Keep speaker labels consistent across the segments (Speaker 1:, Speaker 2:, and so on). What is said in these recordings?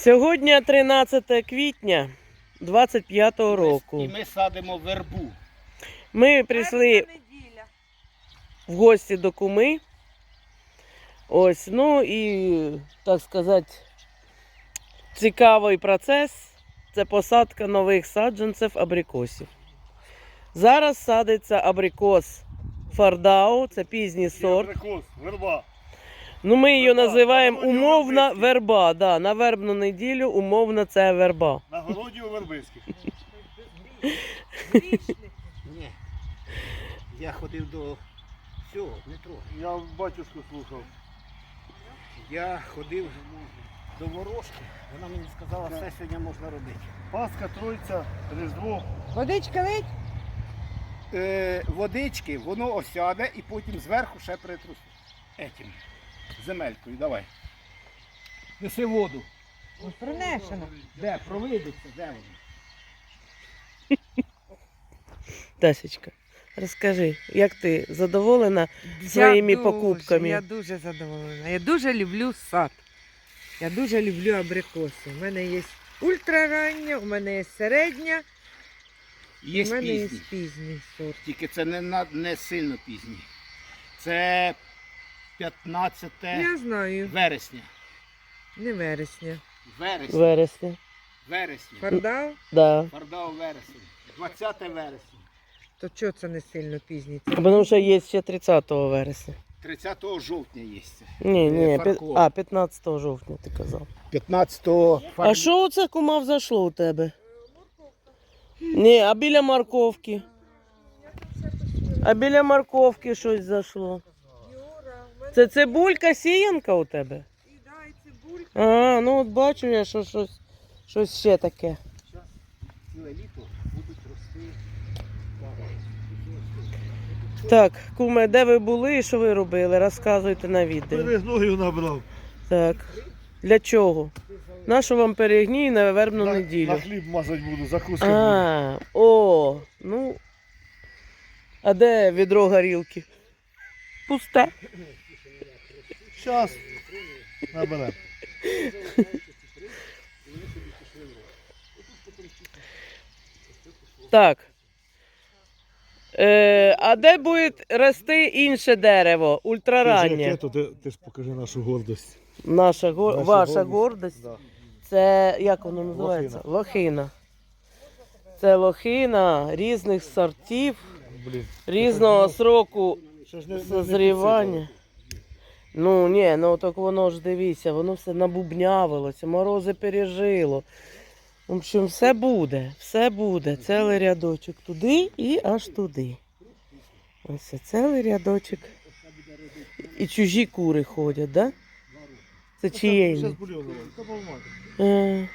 Speaker 1: Сьогодні 13 квітня 25-го року.
Speaker 2: І ми садимо вербу.
Speaker 1: Ми прийшли в гості до куми. Ось, ну і, так сказати, цікавий процес – це посадка нових саджанців абрикосів. Зараз садиться абрикос Фардау, це пізній сорт.
Speaker 3: Абрикос, верба.
Speaker 1: Ну, ми її називаємо умовна верба. Да, на вербну неділю умовно це верба.
Speaker 3: На городі у Вербицьких.
Speaker 2: Ні. Я ходив до цього, не трогай.
Speaker 3: Я батюшку слухав.
Speaker 2: Я ходив до ворожки. Вона мені сказала, все сьогодні можна робити.
Speaker 3: Пасха, Тройця, Різдво.
Speaker 4: Водичка лить?
Speaker 2: Водички, воно осяде і потім зверху ще притрусить. Етім. Земелькою, давай. Неси воду.
Speaker 4: Принесено.
Speaker 2: Де? Провидиться, де воно?
Speaker 1: Тасечка, розкажи, як ти задоволена своїми покупками?
Speaker 4: Я дуже задоволена. Я дуже люблю сад. Я дуже люблю абрикоси. У мене є ультрарання, у мене є середня,
Speaker 2: Є
Speaker 4: у мене є
Speaker 2: пізні.
Speaker 4: пізній сорт.
Speaker 2: Тільки це не сильно пізні. Це 15
Speaker 4: Я знаю,
Speaker 2: вересня.
Speaker 4: не вересня.
Speaker 2: Вересня.
Speaker 1: Вересня.
Speaker 2: Вересня.
Speaker 4: Фардау,
Speaker 1: Да.
Speaker 2: Фардау вересень. 20 вересня.
Speaker 4: то чого це не сильно пізній? Це
Speaker 1: Тому що є ще 30 вересня.
Speaker 2: 30 жовтня є це.
Speaker 1: Ні,
Speaker 2: Фаркова.
Speaker 1: 15 жовтня ти казав.
Speaker 2: 15
Speaker 1: А що оце, кума, взайшло у тебе? Ні, а біля морковки? А біля морковки щось зайшло. Це цибулька, сіянка у тебе? А, ну от бачу я, що щось ще таке.
Speaker 2: Ціле літо будуть рости.
Speaker 1: Так, куме, де ви були і що ви робили? Розказуйте на відео.
Speaker 3: Перегною набрав.
Speaker 1: Так. Для чого? Нащо вам перегній на вербну
Speaker 3: На
Speaker 1: неділю?
Speaker 3: хліб мазати буду, закуска буде.
Speaker 1: А, о, ну. А де відро горілки? Пусте.
Speaker 3: Щас наберемо.
Speaker 1: Так. А де буде рости інше дерево? Ультрараннє.
Speaker 3: Ти ж покажи нашу гордость.
Speaker 1: Наша,
Speaker 3: Наша
Speaker 1: ваша
Speaker 3: гордість.
Speaker 1: гордость.
Speaker 3: Да.
Speaker 1: Це, як воно називається? Лохина. Це лохина різних сортів,
Speaker 3: Блін.
Speaker 1: різного сроку
Speaker 3: Ще ж не
Speaker 1: созрівання. Ну, ні, ну так воно ж дивіться, воно все набубнявилося, морози пережило. В общем, все буде. Цілий рядочок туди і аж туди. Ось це цілий рядочок. І чужі кури ходять, так? Да? Це чиєї?
Speaker 3: Щас бульйон давай. Та помагай.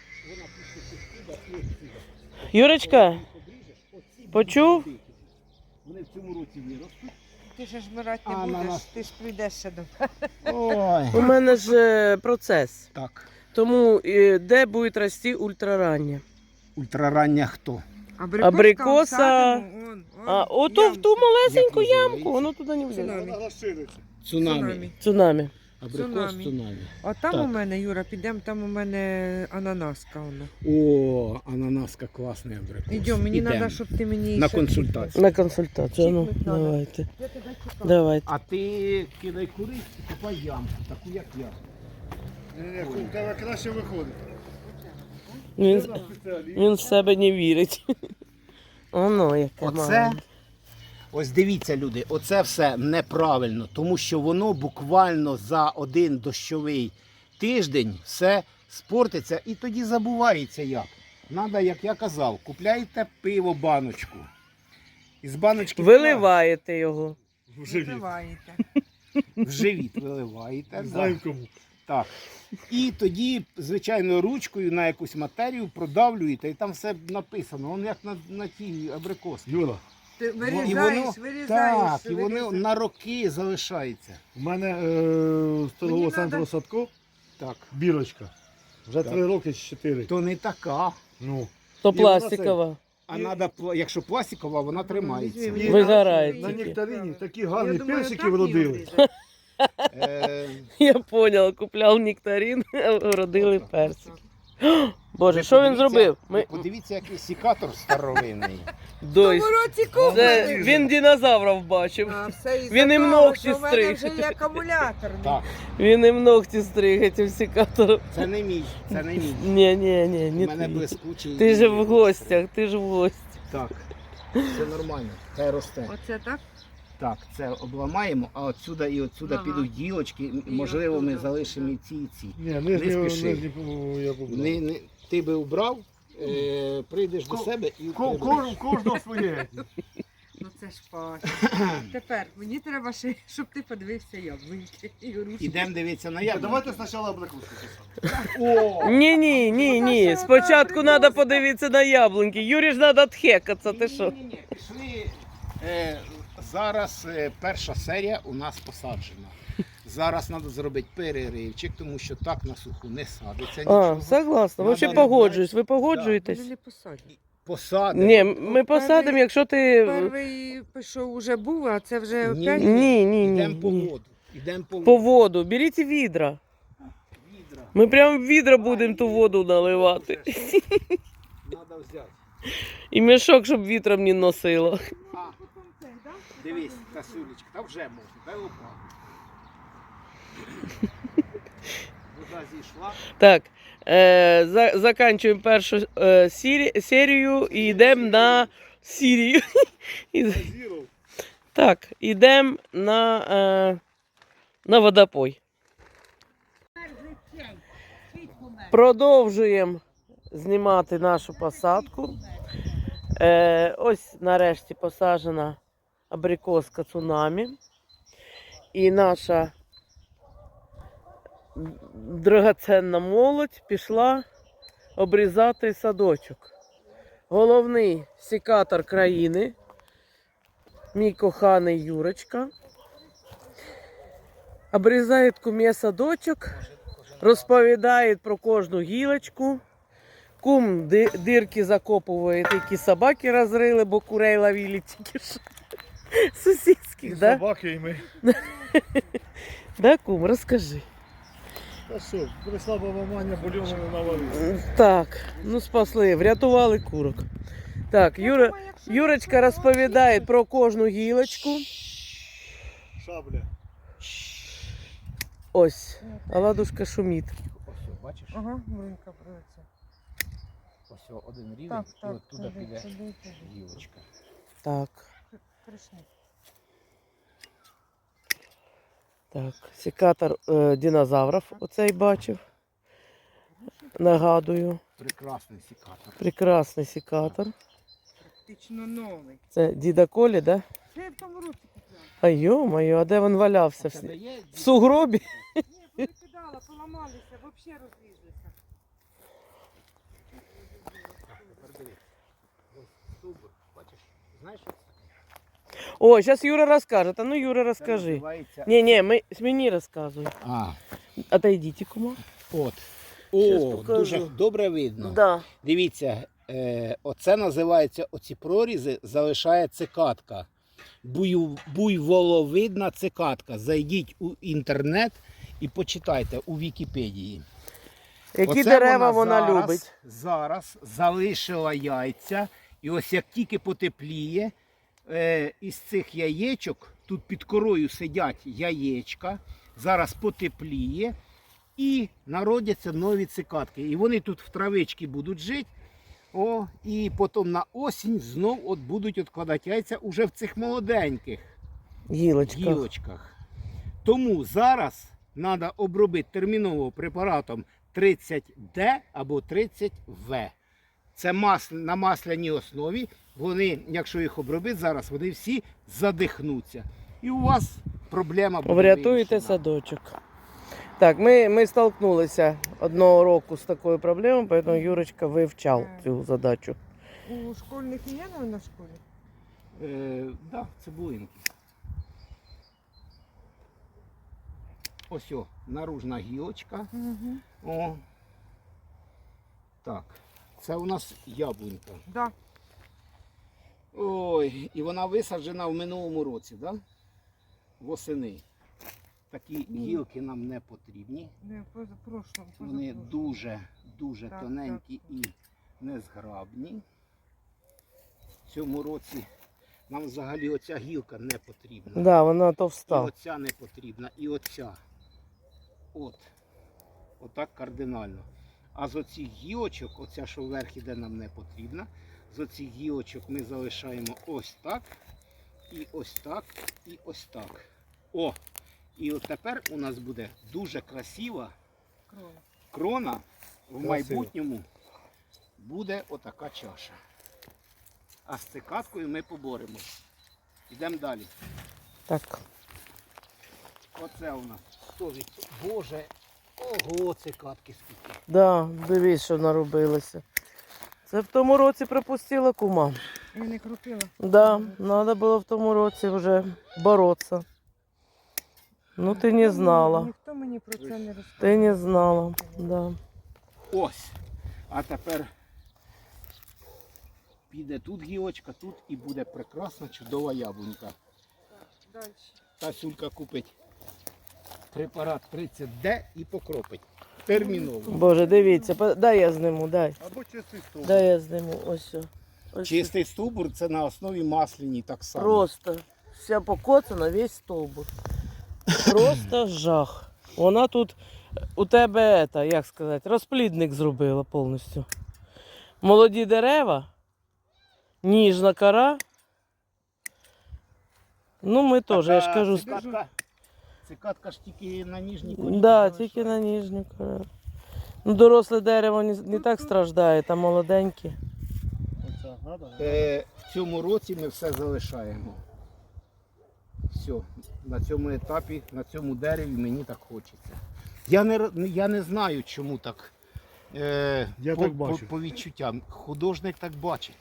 Speaker 1: Юрочка, почув?
Speaker 2: Вони в цьому році виростуть.
Speaker 4: ти ж жмирати не
Speaker 2: А, на
Speaker 4: будеш,
Speaker 2: нас.
Speaker 4: ти ж прийдеш ще до
Speaker 2: Ой.
Speaker 1: У мене ж процес.
Speaker 2: Так.
Speaker 1: Тому де буде рости ультрарання?
Speaker 2: Ультрарання хто?
Speaker 1: Абрикоса. А ото в ту малесеньку
Speaker 2: Як
Speaker 1: ямку,
Speaker 2: називається?
Speaker 1: воно туди не влізе.
Speaker 4: Цунамі.
Speaker 3: Вона розшириться.
Speaker 2: Цунамі.
Speaker 1: Цунамі.
Speaker 2: Абрикос
Speaker 4: Цунамі.
Speaker 2: цунамі.
Speaker 4: А там
Speaker 2: Так.
Speaker 4: у мене, Юра, підемо, там у мене ананаска. Вона.
Speaker 2: О, ананаска класний абрикос.
Speaker 4: Йдемо, мені
Speaker 2: Ідем.
Speaker 4: треба, щоб ти мені
Speaker 2: На
Speaker 4: ще
Speaker 2: консультацію.
Speaker 1: На консультацію. Ну,
Speaker 4: Чіпнуть надо.
Speaker 1: давайте.
Speaker 4: Я тебе чекаю.
Speaker 1: Давайте.
Speaker 2: А ти кидай курись і купай ямку, таку як я.
Speaker 3: Ні, у тебе краще виходить.
Speaker 1: Він,
Speaker 3: Ти спеціаліст.
Speaker 1: він в себе не вірить. Оно яке
Speaker 2: Оце,
Speaker 1: маленьке.
Speaker 2: ось дивіться, люди, оце все неправильно, тому що воно буквально за один дощовий тиждень все спортиться і тоді забувається як. Надо, як я казав, купляйте пиво баночку. Із баночки
Speaker 1: Виливаєте його.
Speaker 3: В живіт.
Speaker 4: Виливаєте.
Speaker 2: в живіт виливаєте.
Speaker 3: Не
Speaker 2: да.
Speaker 3: знаю кому.
Speaker 2: Так. І тоді, звичайно, ручкою на якусь матерію продавлюєте, і там все написано. Воно як на тій абрикосці.
Speaker 3: Юра,
Speaker 4: Ти
Speaker 2: І
Speaker 4: вирізаєш,
Speaker 2: воно,
Speaker 4: вирізаєш.
Speaker 2: так, і воно
Speaker 4: вирізаєш.
Speaker 2: на роки залишається.
Speaker 3: у мене з торгового
Speaker 4: Мені
Speaker 3: центру
Speaker 4: надо-
Speaker 3: Садко
Speaker 2: Так.
Speaker 3: бірочка. Вже
Speaker 2: Так.
Speaker 3: 3 роки чи 4.
Speaker 2: То не така.
Speaker 3: Ну.
Speaker 1: То
Speaker 3: І вона
Speaker 1: пластикова.
Speaker 2: А якщо пластикова, вона тримається.
Speaker 4: Візьми, мені
Speaker 1: Вигорає
Speaker 3: На
Speaker 1: тільки.
Speaker 3: нектарині такі
Speaker 4: Я
Speaker 3: гарні
Speaker 4: думаю,
Speaker 3: персики
Speaker 4: так її
Speaker 3: вродили.
Speaker 4: обрізати.
Speaker 1: Я поняла, купляв нектарин, а родили персик. Боже, що він зробив?
Speaker 2: Подивіться, який секатор старовинний.
Speaker 4: В
Speaker 1: Дой,
Speaker 4: тому році
Speaker 1: це
Speaker 4: купили.
Speaker 1: він динозаврів бачив.
Speaker 4: А, все із-за
Speaker 1: Він їм
Speaker 4: того,
Speaker 1: ногті
Speaker 4: що в мене
Speaker 1: стриг.
Speaker 4: вже є акумуляторний.
Speaker 2: Так,
Speaker 1: Він їм ногті стриг цим секатором.
Speaker 2: це не мій, це не мій.
Speaker 1: Ні,
Speaker 2: У
Speaker 1: не
Speaker 2: мене
Speaker 1: твій.
Speaker 2: блискучий.
Speaker 1: Ти ж в гостях, ти ж в гості.
Speaker 2: Так, це нормально, це росте.
Speaker 4: Оце так?
Speaker 2: Так, це обламаємо, а отсюда і отсюда
Speaker 4: Ага.
Speaker 2: підуть гілочки. Можливо, ми
Speaker 4: отсюда.
Speaker 2: залишимо і ці, і ці.
Speaker 3: Ні,
Speaker 2: Не
Speaker 3: нижню
Speaker 2: спіши.
Speaker 3: я побуду.
Speaker 2: Ти би убрав, прийдеш до себе і прибереш.
Speaker 3: Кожного своє.
Speaker 4: Ну це ж пач. Тепер мені треба ще, щоб ти подивився яблуньки і грушки.
Speaker 2: Ідемо дивитися на яблуко.
Speaker 3: Давайте спочатку абрикоску.
Speaker 2: О!
Speaker 1: Ні. Спочатку треба подивитися на яблуньки. Юрі ж треба тхекатися, ти що?
Speaker 2: Ні. Пішли. Зараз перша серія у нас посаджена. Зараз треба зробити переривчик, тому що так на суху не садиться нічого.
Speaker 1: А, согласна.
Speaker 2: Надо
Speaker 1: Взагалі погоджуюсь. Ви погоджуєтесь?
Speaker 4: Вони не посадять.
Speaker 2: Посадимо.
Speaker 1: Ні, ми посадимо, якщо ти...
Speaker 4: Перший пішов уже був, а це вже
Speaker 2: Ні,
Speaker 4: опять.
Speaker 2: Йдемо по
Speaker 1: Ні.
Speaker 2: воду. Йдемо по
Speaker 1: По
Speaker 2: воду.
Speaker 1: воду. Беріть відра.
Speaker 2: Відра.
Speaker 1: Ми прямо в відра будемо ту воду наливати.
Speaker 2: Треба взяти.
Speaker 1: І мішок, щоб вітром не носило.
Speaker 2: А, дивись, Касулечка, та вже можна, дай лопату. Вода зійшла.
Speaker 1: Так, заканчуємо першу серію і йдемо на Сірію. Так, йдемо на водопой. Продовжуємо знімати нашу посадку. Ось нарешті посаджена абрикоска цунамі. І наша драгоценна молодь пішла обрізати садочок. Головний секатор країни, мій коханий Юрочка, обрізає куме садочок, розповідає про кожну гілочку. Кум дирки закопує, які собаки розрили, бо курей ловили тільки що. Сусідських, да?
Speaker 3: Собаки і ми.
Speaker 1: Да, кум, розкажи.
Speaker 3: Та що, прийшла баба Маня, бульйону не наварила.
Speaker 1: Так, ну спасли, врятували курок. Так, Юрочка розповідає про кожну гілочку.
Speaker 3: Шабля.
Speaker 1: Ось, а ладушка шумить.
Speaker 2: Ось, бачиш?
Speaker 4: Ага, брунька бреться.
Speaker 2: Ось один рівень,
Speaker 4: Так,
Speaker 2: і
Speaker 4: так,
Speaker 2: оттуда піде
Speaker 4: туди.
Speaker 2: гілочка.
Speaker 1: Так,
Speaker 4: Пришли.
Speaker 1: так, секатор динозаврів оцей бачив. Нагадую,
Speaker 2: Прекрасний секатор.
Speaker 1: прекрасний секатор.
Speaker 4: Практично новий.
Speaker 1: Це діда Колі, да?
Speaker 4: Це я в тому році купляла.
Speaker 1: А йо-моє, а де він валявся?
Speaker 2: Це дає
Speaker 1: В сугробі?
Speaker 4: Ні, повикидала, поламалися, взагалі розлізлися.
Speaker 2: стовбур, бачиш? Знаєш, що це?
Speaker 1: О, зараз Юра розкаже. Та ну Юра
Speaker 2: Це
Speaker 1: розкажи.
Speaker 2: називається...
Speaker 1: Ні, мені розказуй.
Speaker 2: А,
Speaker 1: Отойдіть, кума.
Speaker 2: от.
Speaker 1: Щас
Speaker 2: О,
Speaker 1: покажу.
Speaker 2: дуже добре видно.
Speaker 1: Да.
Speaker 2: Дивіться, оце називається, оці прорізи залишає цикатка. Буйволовидна цикатка. Зайдіть у інтернет і почитайте у Вікіпедії.
Speaker 1: Які
Speaker 2: Оце
Speaker 1: дерева вона
Speaker 2: зараз,
Speaker 1: любить?
Speaker 2: Зараз залишила яйця. І ось як тільки потепліє, із цих яєчок, тут під корою сидять яєчка, зараз потепліє і народяться нові цикатки. І вони тут в травичці будуть жити. О, і потім на осінь знов от будуть відкладати яйця уже в цих молоденьких
Speaker 1: Гілочка.
Speaker 2: гілочках. Тому зараз треба обробити терміново препаратом 30D або 30В. Це на масляній основі. Вони, якщо їх обробити зараз, вони всі задихнуться. І у вас проблема буде
Speaker 1: Врятуєте
Speaker 2: вирішена.
Speaker 1: садочок. Так, ми столкнулися одного року з такою проблемою, тому Юрочка вивчав цю задачу.
Speaker 4: У школьних є на школі?
Speaker 2: Да, цибулинки. Ось о, наружна гілочка.
Speaker 4: Угу.
Speaker 2: О. Так, це у нас яблунька.
Speaker 4: Да.
Speaker 2: Ой, і вона висаджена в минулому році, да? Восени. такі гілки нам не потрібні.
Speaker 4: Не, прошлом.
Speaker 2: Вони дуже
Speaker 4: Так,
Speaker 2: тоненькі і незграбні. В цьому році нам взагалі оця гілка не потрібна.
Speaker 1: Да, вона
Speaker 2: І
Speaker 1: товста.
Speaker 2: оця не потрібна, і оця. Отак кардинально. А з оцих гілочок, оця, що вверх іде, нам не потрібна. З оцих гілочок ми залишаємо ось так, і ось так, і ось так. О! І от тепер у нас буде дуже красива крона. В майбутньому буде отака чаша. А з цикадкою ми поборемось. Йдемо далі.
Speaker 1: Так.
Speaker 2: Оце у нас. Боже, ого, цикадки скільки.
Speaker 1: Да, дивись, що наробилося. Це в тому році пропустила кума.
Speaker 4: Я не крутила.
Speaker 1: Да, треба було в тому році вже боротися. Ну ти не знала.
Speaker 4: Ніхто мені про це не розказав.
Speaker 1: Ти не знала. Да.
Speaker 2: Ось. А тепер піде тут гілочка, тут і буде прекрасна, чудова яблунька.
Speaker 4: Далі.
Speaker 2: Та Сюлька купить препарат 30D і покропить. Терміново.
Speaker 1: Боже, дивіться, дай я зниму, дай.
Speaker 3: Або чистий стовп.
Speaker 1: Дай я зниму. Ось. Ось.
Speaker 2: Чистий стовбур це на основі масляні так само.
Speaker 1: Просто вся покоцана, весь стовбур. Просто жах. Вона тут у тебе, як сказати, розплідник зробила повністю. Молоді дерева, ніжна кора. Ну, ми теж, я ж кажу.
Speaker 2: Цикадка ж тільки на ніжній корі.
Speaker 1: Да, тільки на ніжню кору. Ну, доросле дерево не так страждає, а молоденьке.
Speaker 3: Оце, надо?
Speaker 2: В цьому році ми все залишаємо. Все, на цьому етапі, на цьому дереві мені так хочеться. Я не знаю, чому так.
Speaker 3: Я так бачу.
Speaker 2: По відчуттям. Художник так бачить.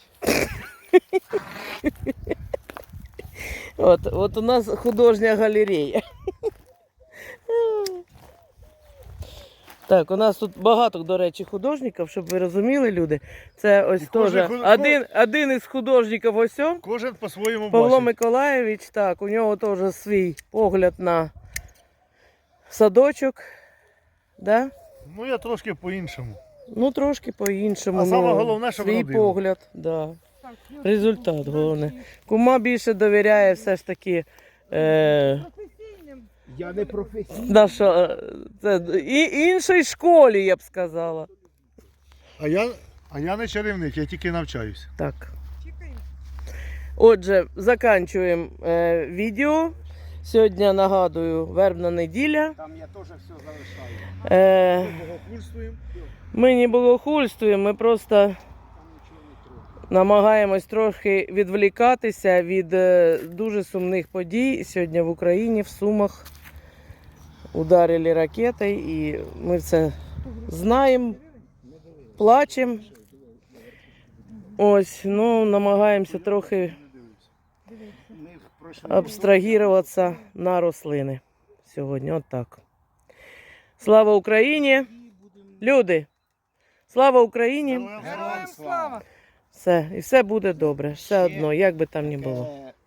Speaker 1: От у нас художня галерея. Так, у нас тут багато, до речі, художників, щоб ви розуміли, люди. Це ось
Speaker 3: І кожен
Speaker 1: теж один із художників ось о,
Speaker 3: Кожен по-своєму
Speaker 1: Павло
Speaker 3: бачить.
Speaker 1: Миколаєвич, так, у нього теж свій погляд на садочок. Да?
Speaker 3: Ну я трошки по-іншому.
Speaker 1: Ну, трошки по-іншому.
Speaker 3: А саме
Speaker 1: ну,
Speaker 3: головне, щоб
Speaker 1: свій
Speaker 3: родина.
Speaker 1: погляд. Да.
Speaker 4: Так,
Speaker 1: Результат головне. Кума більше довіряє все ж таки
Speaker 4: професійним.
Speaker 2: Я не професійний.
Speaker 1: іншій школі, я б сказала.
Speaker 3: А я не чарівник, я тільки навчаюся.
Speaker 1: Так.
Speaker 4: Чекаємо.
Speaker 1: Отже, закінчуємо відео. Сьогодні, нагадую, вербна неділя.
Speaker 2: Там я теж все залишаю.
Speaker 3: Богохульствуємо.
Speaker 1: Ми не богохульствуємо, ми просто
Speaker 2: Там нічого не трогаю.
Speaker 1: намагаємось трохи відволікатися від дуже сумних подій. Сьогодні в Україні, в Сумах, ударили ракети, і ми це знаємо, плачемо. Ось, ну, намагаємося трохи
Speaker 2: Ми пройшли.
Speaker 1: абстрагіруватися на рослини сьогодні. От так. Слава Україні! Люди! Слава Україні!
Speaker 2: Героям слава!
Speaker 1: Все, і все буде добре. Все одно, як би там ні було.